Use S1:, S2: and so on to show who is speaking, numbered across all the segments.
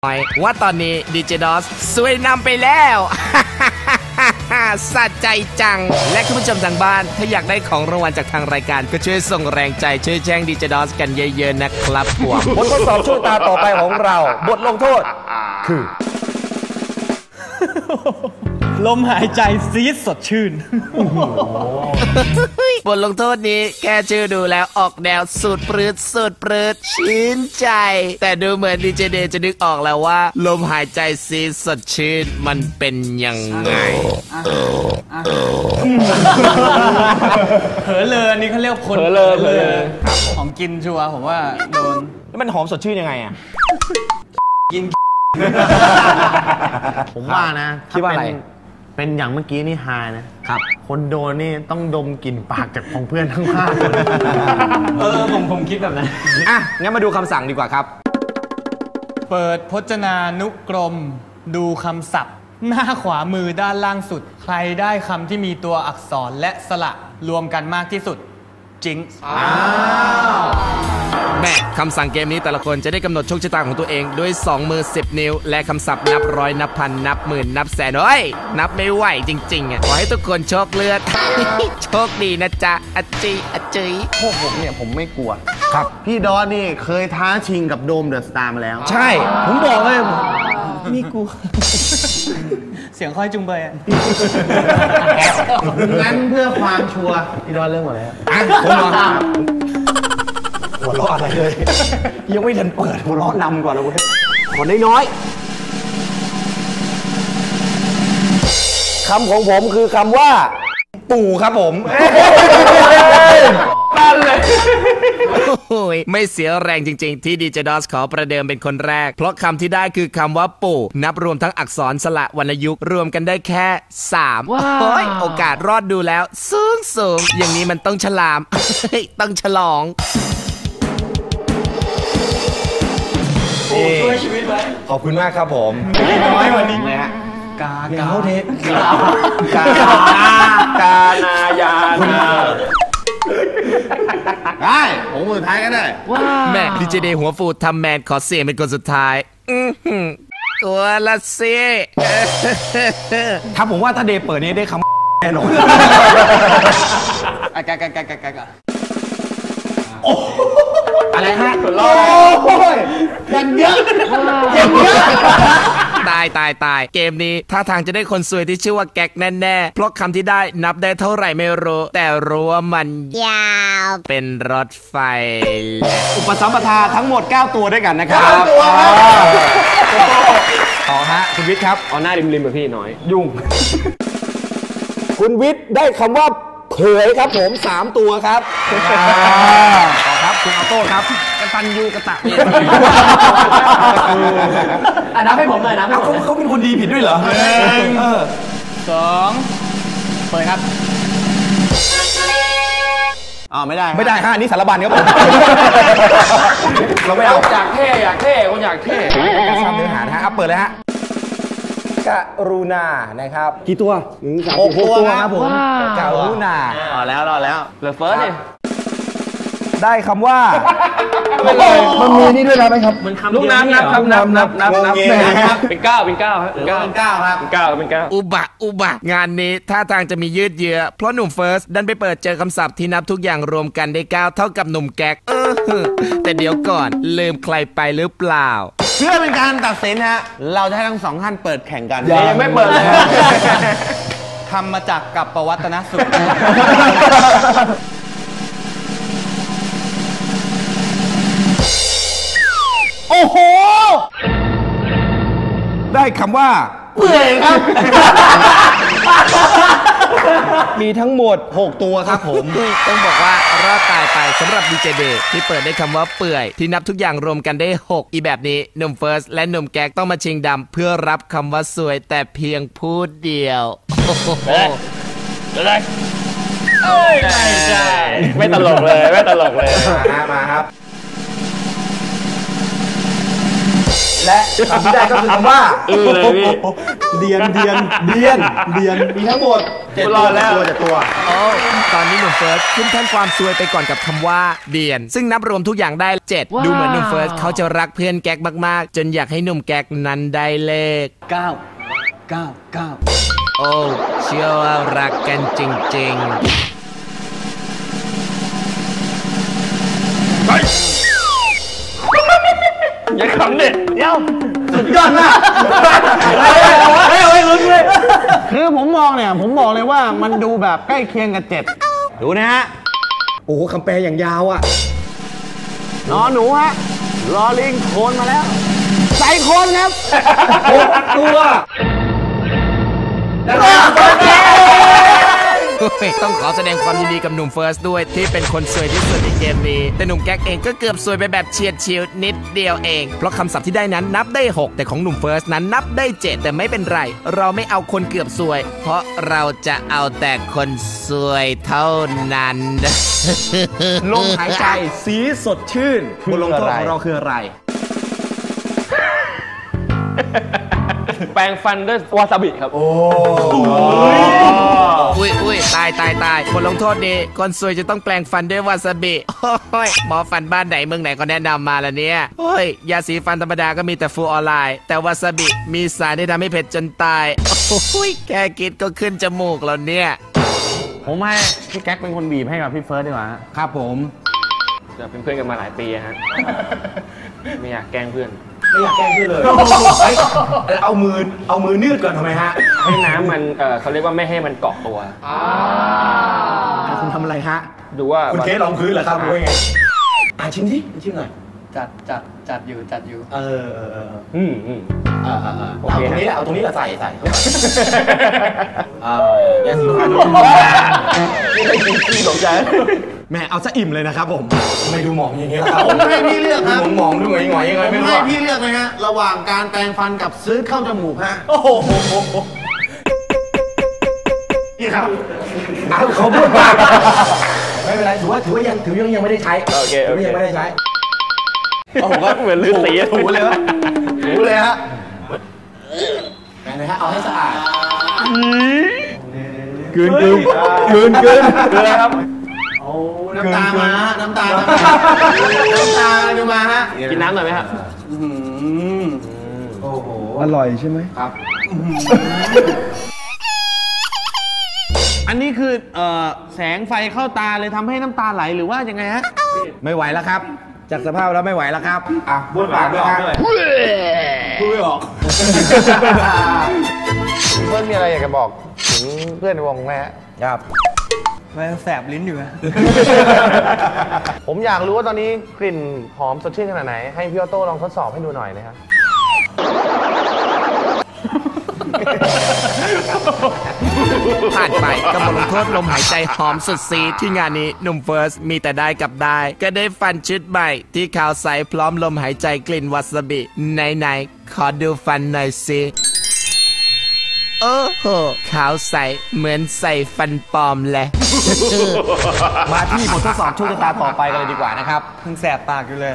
S1: ว่าตอนนี้ดีเจดอสสวยนำไปแล้ว สะใจจังและคุณผู้ชมทางบ้านถ้าอยากได้ของรางวัลจากทางรายการก็ช่วยส่งแรงใจช่วยแจ้งดีเจดอสกันเยอะๆนะครับผม
S2: บททดสอบช่วงตาต่อไปของเราบทลงโทษคือ
S3: ลมหายใจซีดสดชื่น
S1: บทลงโทษนี้แค่ชื่อดูแล้วออกแนวสุดปรืดชื่นใจแต่ดูเหมือนดีเจเดย์จะนึกออกแล้วว่าลมหายใจซีดสดชื่นมันเป็นยังไง
S3: เผลอเลยอันนี้เขาเรียกคนเผลอเลยของกินชัวร์ผมว่าโดน
S2: แล้วมันหอมสดชื่นยังไงอ่ะ
S3: กิน
S4: ผมว่านะ
S2: คิดว่าอะไร
S4: เป็นอย่างเมื่อกี้นี่ฮานะครับ คนโดนนี่ต้องดมกลิ่นปากจากของเพื่อนทั้งห้าคน
S3: ผมคิดแบบนั้น
S2: อ่ะงั้นมาดูคำสั่งดีกว่าครับ
S3: เปิดพจนานุกรมดูคำศัพท์ หน้าขวามือด้านล่างสุด ใครได้คำที่มีตัวอักษรและสระรวมกันมากที่สุดจิง
S1: แม่คำสั่งเกมนี้แต่ละคนจะได้กำหนดโชคชะตาของตัวเองด้วย2มือ10 นิ้วและคำศัพท์นับร้อยนับพันนับหมื่นนับแสนเฮ้ยนับไม่ไหวจริงๆอ่ะขอให้ทุกคนโชคเลือด โชคดีนะจ๊ะอจีอจีย
S4: พวกผมเนี่ยผมไม่กลัว ครับ พี่ดอนนี่เคยท้าชิงกับโดมเดอะสตาร์มาแล้ว
S2: ใช่ ผมบอกเลย
S3: นี่กู เสียงค่อยจุงเบยอะ
S4: งั้นเพื่อความชัวร์พี่ดอนเริ่มก่อนเลยครับ
S2: อ่ะผมเหรอหัวเราะอะไรเลย ยังไม่ทันเปิดหัวเราะนำก่อนเลยเว้ยขอน้อยๆคำของผมคือคำว่า ปู่ครับผม
S1: โอ้ยไม่เสียแรงจริงๆที่ดีเจดอสขอประเดิมเป็นคนแรกเพราะคำที่ได้คือคำว่าปู่นับรวมทั้งอักษรสระวรรณยุกต์รวมกันได้แค่3โอ้ยโอกาสรอดดูแล้วสูงอย่างนี้มันต้องฉลาม ต้องฉลอง
S3: ช่วยชีวิตไว้
S2: ขอบคุณมากครับผม
S3: น้อยวันนี้
S2: นะฮะ
S3: กา
S2: เขาเทปกานายานา
S4: ได้ผมมือท้ายก็ได้
S1: แม่ดีเจเดย์หัวฟูทำแมนขอเสียงเป็นคนสุดท้ายตัวละสิ
S2: ถ้าผมว่าถ้าเดย์เปิดนี้ได้คำแน่นอน
S3: กา
S2: อะไรฮะ
S4: โอ้ยกันเยอะ
S1: ตายเกมนี้ท่าทางจะได้คนสวยที่ชื่อว่าแก๊กแน่ๆเพราะคำที่ได้นับได้เท่าไหร่ไม่รู้แต่รู้ว่ามันยาวเป็นรถไฟ
S2: อุปสัมปทาทั้งหมด 9 ตัวด้วยกันนะครับ
S4: 9 ตัวครับ
S2: ต่อฮะคุณวิทย์ครับ
S5: เอาหน้าริมๆแบบพี่น้อย
S2: ยุ่ง คุณวิทย์ได้คำว่าเผยครับผม3 ตัวครับต่อครับคุณออโต้ครับกตันยูกะตะเวที
S5: นับให้ผมหน่อยนะ
S2: เขาเป็นคนดีผิดด้วยเหรอ
S3: 2 เปิดครับ
S4: ไม่ได้
S2: ไม่ได้ฮะอันนี้สารบัญครับผมเราไม่เอา
S5: อยากเท่คนอยากเท่
S2: การสร้างเนื้อหานะฮะเอาเปิดเลยฮะกรุณานะครับกี่ตัว6 ตัวครับผมกรุณาร
S4: อแล้ว
S5: เหลือเฟิร์สดิ
S2: ได้คำว่า
S4: มันมีนี่ด้วยนะไหมครับ
S5: มันคำลูกน้ำนับเป็น9ครับเป็น9ครับ
S1: อุบะงานนี้ท่าทางจะมียืดเยื้อเพราะหนุ่มเฟิร์สดันไปเปิดเจอคำศัพท์ที่นับทุกอย่างรวมกันได้9เท่ากับหนุ่มแก๊กแต่เดี๋ยวก่อนลืมใครไปหรือเปล่า
S4: เพื่อเป็นการตัดสินฮะ เราจะให้ทั้ง2 ท่านเปิดแข่งกัน
S5: ยังไม่เปิดเลย
S3: ทำมาจากกับประวัตนสุข
S2: โอ้โห ได้คำว่าเปื่อยครับ มีทั้งหมด 6 ตัวครับผม
S1: ต้องบอกว่ารอดตายไปสำหรับดีเจเดย์ที่เปิดได้คำว่าเปื่อยที่นับทุกอย่างรวมกันได้6อีแบบนี้หนุ่มเฟิร์สและหนุ่มแก๊กต้องมาชิงดำเพื่อรับคำว่าสวยแต่เพียงผู้เดียวโอ้โห
S5: ไม่ตลกเลย
S2: มาครับและคำที่ได้ก็คือคำว่า
S5: เลยพี่
S2: เดียนมีทั้งหมด7 ตัว
S1: โอ้ตอนนี้หนุ่มเฟิร์สขึ้นแท่นความซวยไปก่อนกับคำว่าเดียน ซึ่งนับรวมทุกอย่างได้ 7 ดูเหมือนหนุ่มเฟิร์สเขาจะรักเพื่อนแก๊กมากๆ จนอยากให้หนุ่มแก๊กนั้นได้เลข
S3: 9
S1: โอ้เชื่อว่ารักกันจริงๆ
S5: อย่าขำเด็ด
S4: เดี๋ยว
S2: ยอดมาก
S4: คือผมมองเนี่ยผมบอกเลยว่ามันดูแบบใกล้เคียงกับ7ดูนะฮะ
S2: โอ้โหคำแปลอย่างยาวอ่ะ
S4: นอนหนูฮะรอลิงโคนมาแล้วใส่โคนครับ
S2: 6 ตัว
S1: ต้องขอแสดงความยินดีกับหนุ่มเฟิร์สด้วยที่เป็นคนสวยที่สุดในเกมนี้ แต่หนุ่มแก๊กเองก็เกือบสวยไปแบบเฉียดฉิวนิดเดียวเอง เพราะคำศัพท์ที่ได้นั้นนับได้ 6 แต่ของหนุ่มเฟิร์สนั้นนับได้ 7 แต่ไม่เป็นไร เราไม่เอาคนเกือบสวย เพราะเราจะเอาแต่คนสวยเท่านั้น
S2: ลมหายใจสีสดชื่นบทลงโทษของเราคืออะไร
S5: แปรงฟันด้วยวาซาบิครับ
S1: อุ้ยตายบทลงโทษนี้คนสวยจะต้องแปลงฟันด้วยวาซาบิโอ้ยหมอฟันบ้านไหนเมืองไหนก็แนะนำมาละเนี่ยโอ้ยยาสีฟันธรรมดาก็มีแต่ฟูออนไลน์แต่วาซาบิมีสารที่ทำให้เผ็ดจนตายโอ้ยแค่คิดก็ขึ้นจมูกแล้วเนี่ย
S4: ผมให้พี่แก๊กเป็นคนบีบให้กับพี่เฟิร์สดีกว่าฮะ
S2: ครับผม
S5: จะเป็นเพื่อนกันมาหลายปีฮะ ไม่อยากแกล้งเพื่อน
S2: ไม่อยากแกล้งพี่เลยเอามือนืดก่อนทำไมฮะ
S5: ให้น้ำมันเขาเรียกว่าไม่ให้มันเกาะตัว
S2: คุณทำอะไรฮะ
S5: ดูว่า
S2: คุณเคสลองพื้นเหรอครับหรือว่าไงชิมหน่อย
S3: จัดอยู่
S5: อืม
S2: โอเคเอาตรงนี้แหละใส่ยาสีฟัน
S5: พี่สนใจ
S2: แม่เอาซะอิ่มเลยนะครับผมไม่ดูหมองอย่างเงี้ยครับ
S4: ผมให้พี่เลือกครับ
S2: หมองดูหงอยยังไง
S4: ผม
S2: ไม่รู้
S4: ให้
S2: อะ
S4: พี่เลือกนะฮะระหว่างการแปรงฟันกับซื้อเข้าจมูกฮะ
S2: โอ้โหนี่ครับเขาพูดมากไม่เป็นไรถือว่ายังไม่ได้ใช้
S5: โอเค
S2: ถือว่ายังไม่ได้ใช้
S5: ผมก็เหมือนลือสี
S2: ถูเลยฮะแม่เลยฮะเอาให้สะอาดกลืน
S5: ครับ
S4: น้ำตามาฮะน้ำตาดูมาฮะ
S5: กินน้ำหน่อยไหมครับ
S2: อร่อยใช่ไหมครับ
S4: อันนี้คือแสงไฟเข้าตาเลยทำให้น้ำตาไหลหรือว่ายังไงฮะ
S2: ไม่ไหวแล้วครับ จากสภาพแล้วไม่ไหวแล้วครับบ้วนปากด้วยพูดไม่ออก
S4: เพื่อนมีอะไรอยากจะบอกถึงเพื่อนในวงไหมฮะ
S2: ครับ
S3: มันแสบลิ้นอยู่นะ
S4: ผมอยากรู้ว่าตอนนี้กลิ่นหอมสดชื่นขนาดไหนให้พี่ออโต้ลองทดสอบให้ดูหน่อยนะครับ
S1: ผ่านไปกับบทลงโทษลมหายใจหอมสุดซีดที่งานนี้หนุ่มเฟิร์สมีแต่ได้กับได้ ก็ได้ฟันชุดใหม่ที่ขาวใสพร้อมลมหายใจกลิ่นวาซาบิไหนขอดูฟันหน่อยสิโอ้โหขาวใสเหมือนใส่ฟันปลอมเลย
S2: มาที่บททดสอบโชคชะตาต่อไปกันเลยดีกว่านะครับ
S3: เพิ่งแสบปากอยู่เลย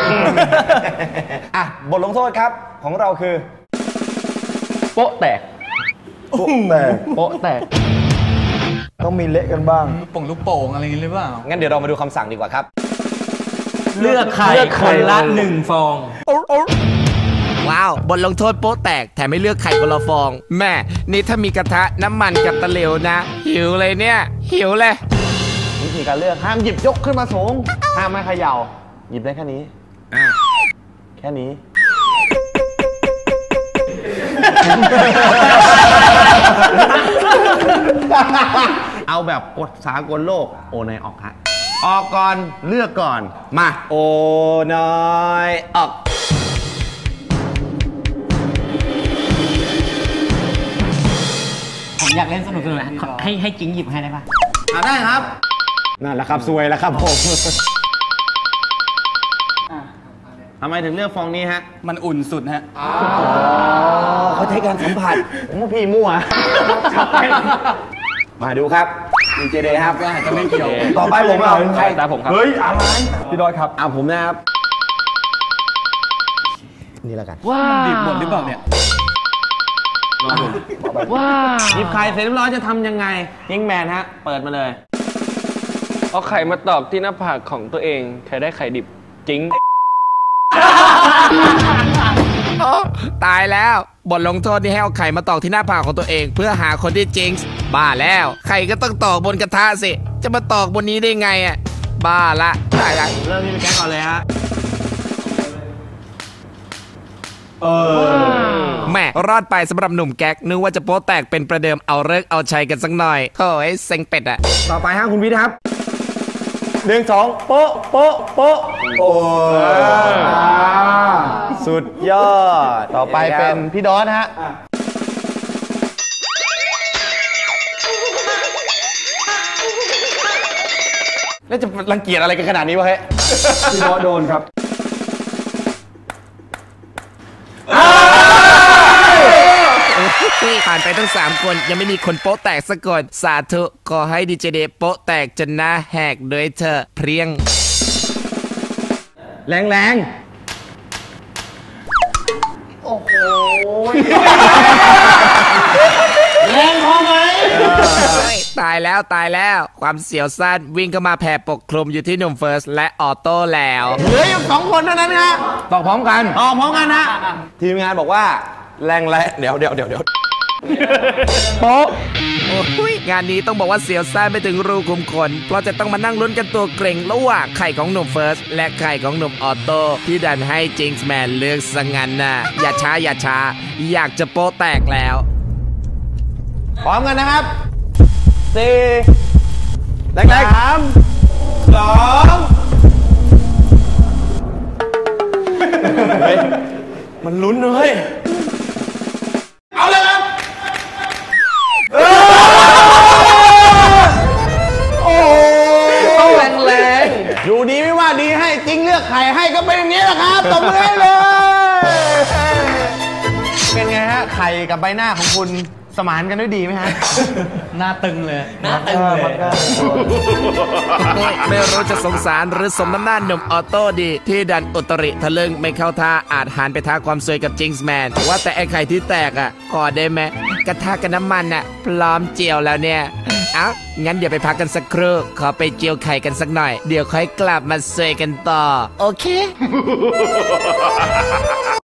S2: บทลงโทษครับของเราคือ
S5: โป๊ะแตก โป๊ะแตก
S2: ต้องมีเละกันบ้าง
S3: ลูกโป่งอะไรอย่างนี้หรือเปล่า
S2: งั้นเดี๋ยวเรามาดูคำสั่งดีกว่าครับ
S3: เลือกไข่คนละ1 ฟอง
S1: ว้าวบทลงโทษโป๊ะแตกแถมไม่เลือกไข่คนละฟอง แม่นี่ถ้ามีกระทะน้ำมันกับตะเหลวนะ หิวเลยเนี่ย หิวเลย
S4: วิธีการเลือกห้ามหยิบยกขึ้นมาสูงห้ามไม่เขย่าหยิบได้แค่นี้แค่นี้ เอาแบบกฎสากลโลกโอนายออกฮะออกก่อนเลือกก่อนมา
S2: โอ้น้อยออก
S6: ผมอยากเล่นสนุกนะให้จิงหยิบให้ได้ปะ
S4: ได้ครับ
S2: นั่นแหละครับซวยแล้วครับผม
S4: ทำไมถึงเลือกฟองนี้ฮะ
S3: มันอุ่นสุดฮะ
S2: เขาใช้การสัมผัส
S4: ผมว่าพี่มั่ว
S2: มาดูครับดีเจเดย์ครับ
S3: จะไม่เกี่ยว
S2: ต่อไปผมเอาใคร
S5: ตาผมครับ
S2: เฮ้ยอะไรพี่ดอยครับเอาผมนะครับนี่แล้วกัน
S3: ดิบหมดหรือเปล่าเนี่ย
S4: หยิบไข่เสร็จเรียบร้อยจะทำยังไงยิงแมนฮะ เปิดมาเลย
S5: เอาไข่มาตอกที่หน้าผากของตัวเองใครได้ไข่ดิบจริง
S1: โอ้ตายแล้วบทลงโทษนี่ให้เอาไข่มาตอกที่หน้าผากของตัวเองเพื่อหาคนที่จิงส์บ้าแล้วไข่ก็ต้องตอกบนกระทะสิจะมาตอกบนนี้ได้ไงอ่ะบ้าละตายละ
S4: เริ่มที่พี่แก๊กก่อนเลยฮะ
S1: แม่รอดไปสำหรับหนุ่มแก๊กนึกว่าจะโป๊แตกเป็นประเดิมเอาเลิกเอาชัยกันสักหน่อยโถ่ไอ้เซ็งเป็ดอะ
S2: ต่อไปฮะคุณวิทย์ครับ
S4: 1 2 โป๊ะโป๊ะโป๊ะ
S2: โอ้
S4: สุดยอด ต่อไปเป็นพี่ดอสฮะ แล้วจะรังเกียจอะไรกันขนาดนี้วะเฮ้ย
S2: พี่บอสโดนครับ
S1: ผ่านไปทั้ง3คนยังไม่มีคนโป๊แตกสักคนสาธุขอให้ดีเจเดย์โป๊แตกจนหน้าแหกด้วยเธอเพรียง
S2: แรงแรง
S1: ตายแล้วตายแล้วความเสียวซ่านวิ่งเข้ามาแผ่ปกคลุมอยู่ที่หนุ่มเฟิร์สและออโต้แล้ว
S4: เหลืออยู่2 คนเท่านั้นฮะ
S2: ตอกพร้อมกัน
S4: ต่อพร้อมกันฮะ ทีมงานบอกว่าแรงและเดี๋ยวโป๊ะ
S1: โอ้ยงานนี้ต้องบอกว่าเสียวซ่านไปถึงรูขุมขนเพราะจะต้องมานั่งลุ้นกันตัวเกรงระหว่างไข่ของหนุ่มเฟิร์สและไข่ของหนุ่มออโต้ที่ดันให้จิงส์แมนเลือกสังงันน่ะอย่าช้าอยากจะโป๊แตกแล้ว
S4: พร้อมกันนะครับ4แรง3 2 มันลุ้นเลย เอาเลยครับ โอ้ต้องแรงๆอยู่ดีไม่ว่าดีให้จริงเลือกไข่ให้ก็เป็นอย่างนี้แหละครับตบมือให้เลย เป็นไงฮะ ไข่กับใบหน้าของคุณสมานกันด้วยดีไหมฮะ
S3: หน้าตึงเลย
S1: ไม่รู้จะสงสารหรือสมน้ำหน้าหนุ่มออโต้ดี ที่ดันอุตริทะลึ่งไม่เข้าท่าอาจหันไปท้าความสวยกับจิงส์แมนว่าแต่ไอ้ไข่ที่แตกอ่ะขอได้ไหมกระทะกับน้ำมันอ่ะพร้อมเจียวแล้วเนี่ย เอ้างั้นเดี๋ยวไปพักกันสักครู่ขอไปเจียวไข่กันสักหน่อย เดี๋ยวค่อยกลับมาสวยกันต่อ โอเค